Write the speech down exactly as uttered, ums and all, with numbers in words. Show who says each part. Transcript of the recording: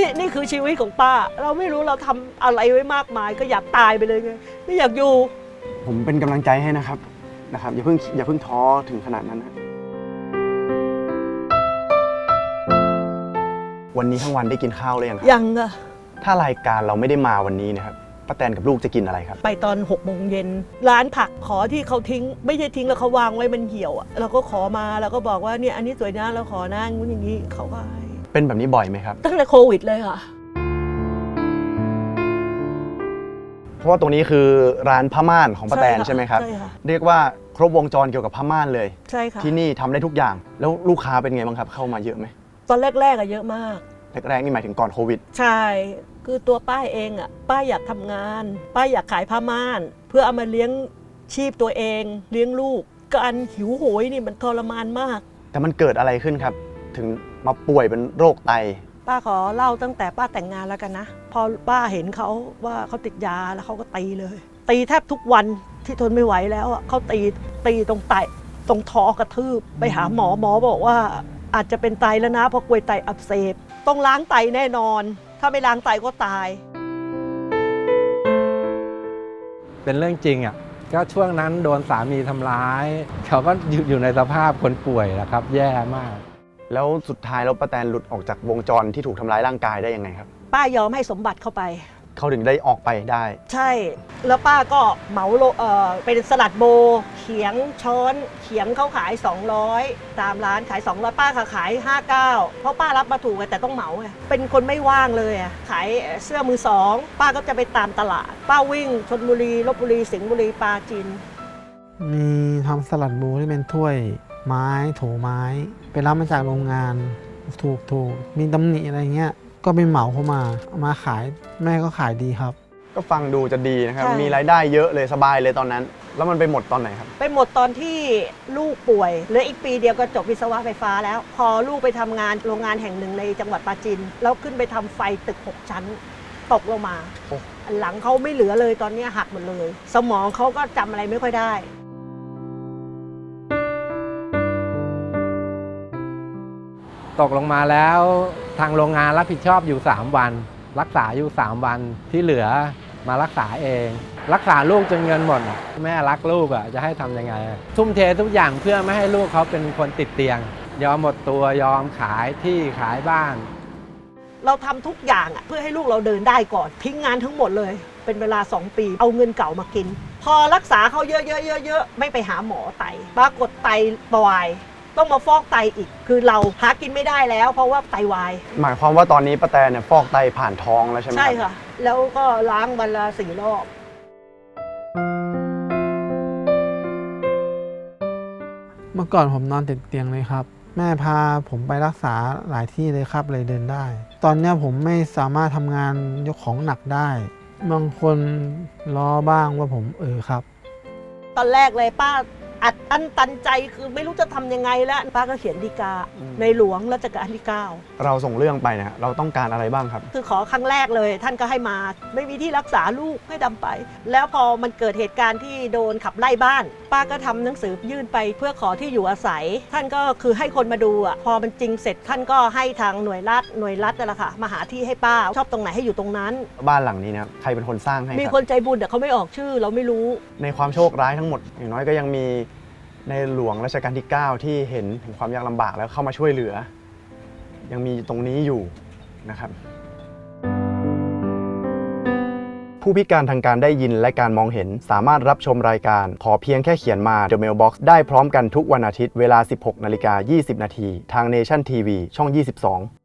Speaker 1: นี่คือชีวิตของป้าเราไม่รู้เราทำอะไรไว้มากมายก็อยากตายไปเลยไงไม่อยากอยู่
Speaker 2: ผมเป็นกำลังใจให้นะครับนะครับอย่าเพิ่งอย่าเพิ่งท้อถึงขนาดนั้นนะวันนี้ทั้งวันได้กินข้าวหรือยังครับ
Speaker 1: ยังอะ
Speaker 2: ถ้ารายการเราไม่ได้มาวันนี้นะครับป้าแตนกับลูกจะกินอะไรครับ
Speaker 1: ไปตอนหกโมงเย็นร้านผักขอที่เขาทิ้งไม่ใช่ทิ้งแล้วเขาวางไว้มันเหี่ยวอะเราก็ขอมาเราก็บอกว่าเนี่ยอันนี้สวยนะเราขอนะงู้นอย่างนี้เขาก็ให้
Speaker 2: เป็นแบบนี้บ่อยไหมครับ
Speaker 1: ตั้งแต่โควิดเลยค่ะ
Speaker 2: เพราะว่าตรงนี้คือร้านผ้าม่านของป้าแตนใช่ไหมครับ
Speaker 1: ใช่ค่ะ
Speaker 2: เรียกว่าครบวงจรเกี่ยวกับผ้าม่านเลย
Speaker 1: ใช่ค่ะ
Speaker 2: ที่นี่ทำได้ทุกอย่างแล้วลูกค้าเป็นไงบ้างครับเข้ามาเยอะไหม
Speaker 1: ตอนแรกๆอะเยอะมาก
Speaker 2: แรกๆนี่หมายถึงก่อนโควิด
Speaker 1: ใช่คือตัวป้าเองอ่ะป้าอยากทำงานป้าอยากขายผ้าม่านเพื่อเอามาเลี้ยงชีพตัวเองเลี้ยงลูกการหิวโหยนี่มันทรมานมาก
Speaker 2: แต่มันเกิดอะไรขึ้นครับถึงมาป่วยเป็นโรคไต
Speaker 1: ป้าขอเล่าตั้งแต่ป้าแต่งงานแล้วกันนะพอป้าเห็นเขาว่าเขาติดยาแล้วเขาก็ตีเลยตีแทบทุกวันที่ทนไม่ไหวแล้วอ่ะเขาตีตีตรงไตตรงท้อกระทืบไปหาหมอหมอบอกว่าอาจจะเป็นไตแล้วนะเพราะกลวยไตอักเสบต้องล้างไตแน่นอนถ้าไม่ล้างไตก็ตาย
Speaker 3: เป็นเรื่องจริงอ่ะก็ช่วงนั้นโดนสามีทำร้ายเขาก็อยู่ในสภาพคนป่วยนะครับแย่มาก
Speaker 2: แล้วสุดท้ายแล้วป้าแตนหลุดออกจากวงจรที่ถูกทำร้ายร่างกายได้ยังไงครับ
Speaker 1: ป้ายอมให้สมบัติเข้าไป
Speaker 2: เขาถึงได้ออกไปได้
Speaker 1: ใช่แล้วป้าก็เหมาโลเออเป็นสลัดโบเขียงช้อนเขียงเขาขายสองร้อยตามร้านขายสองร้อยป้าขายห้าสิบเก้าเพราะป้ารับมาถูกแต่ต้องเหมาไงเป็นคนไม่ว่างเลยอ่ะขายเสื้อมือสองป้าก็จะไปตามตลาดป้าวิ่งชลบุรีลพบุรีสิงห์บุรีปราจีน
Speaker 4: มีทำสลัดโบที่เป็นถ้วยไม้โถไม้ไปรับมาจากโรงงานถูกถูกมีตำหนิอะไรเงี้ยก็ไปเหมาเข้ามาเอามาขายแม่ก็ขายดีครับ
Speaker 2: ก็ฟังดูจะดีนะครับมีรายได้เยอะเลยสบายเลยตอนนั้นแล้วมันไปหมดตอนไหนครับ
Speaker 1: ไปหมดตอนที่ลูกป่วยเหลืออีกปีเดียวก็จบวิศวะไฟฟ้าแล้วพอลูกไปทำงานโรงงานแห่งหนึ่งในจังหวัดปราจีนแล้วขึ้นไปทำไฟตึกหกชั้นตกลงมาหลังเขาไม่เหลือเลยตอนนี้หักหมดเลยสมองเขาก็จำอะไรไม่ค่อยได้
Speaker 3: ตกลงมาแล้วทางโรงงานรับผิดชอบอยู่สามวันรักษาอยู่สามวันที่เหลือมารักษาเองรักษาลูกจนเงินหมดแม่รักลูกอ่ะจะให้ทำยังไงทุ่มเททุกอย่างเพื่อไม่ให้ลูกเขาเป็นคนติดเตียงยอมหมดตัวยอมขายที่ขายบ้าน
Speaker 1: เราทำทุกอย่างอ่ะเพื่อให้ลูกเราเดินได้ก่อนทิ้งงานทั้งหมดเลยเป็นเวลาสองปีเอาเงินเก่ามากินพอรักษาเขาเยอะๆๆๆไม่ไปหาหมอไตปรากฏไตวายต้องมาฟอกไตอีกคือเราหากินไม่ได้แล้วเพราะว่าไตวาย
Speaker 2: หมายความว่าตอนนี้ป้าแตนเนี่ยฟอกไตผ่านท้องแล้วใช่ไหม
Speaker 1: ใช่ค่ะแล้วก็ล้างวันละสี่รอบ
Speaker 4: เมื่อก่อนผมนอนติดเตียงเลยครับแม่พาผมไปรักษาหลายที่เลยครับเลยเดินได้ตอนนี้ผมไม่สามารถทำงานยกของหนักได้บางคนล้อบ้างว่าผมเออครับ
Speaker 1: ตอนแรกเลยป้าอัดอั้นตันใจคือไม่รู้จะทำยังไงแล้วป้าก็เขียนฎีกาในหลวงรัชกาลที่เก้า
Speaker 2: เราส่งเรื่องไปนะเราต้องการอะไรบ้างครับ
Speaker 1: คือขอครั้งแรกเลยท่านก็ให้มาไม่มีที่รักษาลูกให้ดำไปแล้วพอมันเกิดเหตุการณ์ที่โดนขับไล่บ้านป้าก็ทำหนังสือยื่นไปเพื่อขอที่อยู่อาศัยท่านก็คือให้คนมาดูอ่ะพอมันจริงเสร็จท่านก็ให้ทางหน่วยรัฐหน่วยรัฐนั่นแหละค่ะมาหาที่ให้ป้าชอบตรงไหนให้อยู่ตรงนั้น
Speaker 2: บ้านหลังนี้นะใครเป็นคนสร้างให้
Speaker 1: มีคนใจบุญแต่เขาไม่ออกชื่อเราไม่รู้
Speaker 2: ในความโชคร้ายทั้งหมดอย่างน้อยก็ยังมีในหลวงรัชกาลที่เก้าที่เห็นถึงความยากลำบากแล้วเข้ามาช่วยเหลือยังมีตรงนี้อยู่นะครับผู้พิการทางการได้ยินและการมองเห็นสามารถรับชมรายการขอเพียงแค่เขียนมา The Mailbox ได้พร้อมกันทุกวันอาทิตย์เวลา สิบหกนาฬิกายี่สิบนาทีทาง Nation ที วี ช่อง ยี่สิบสอง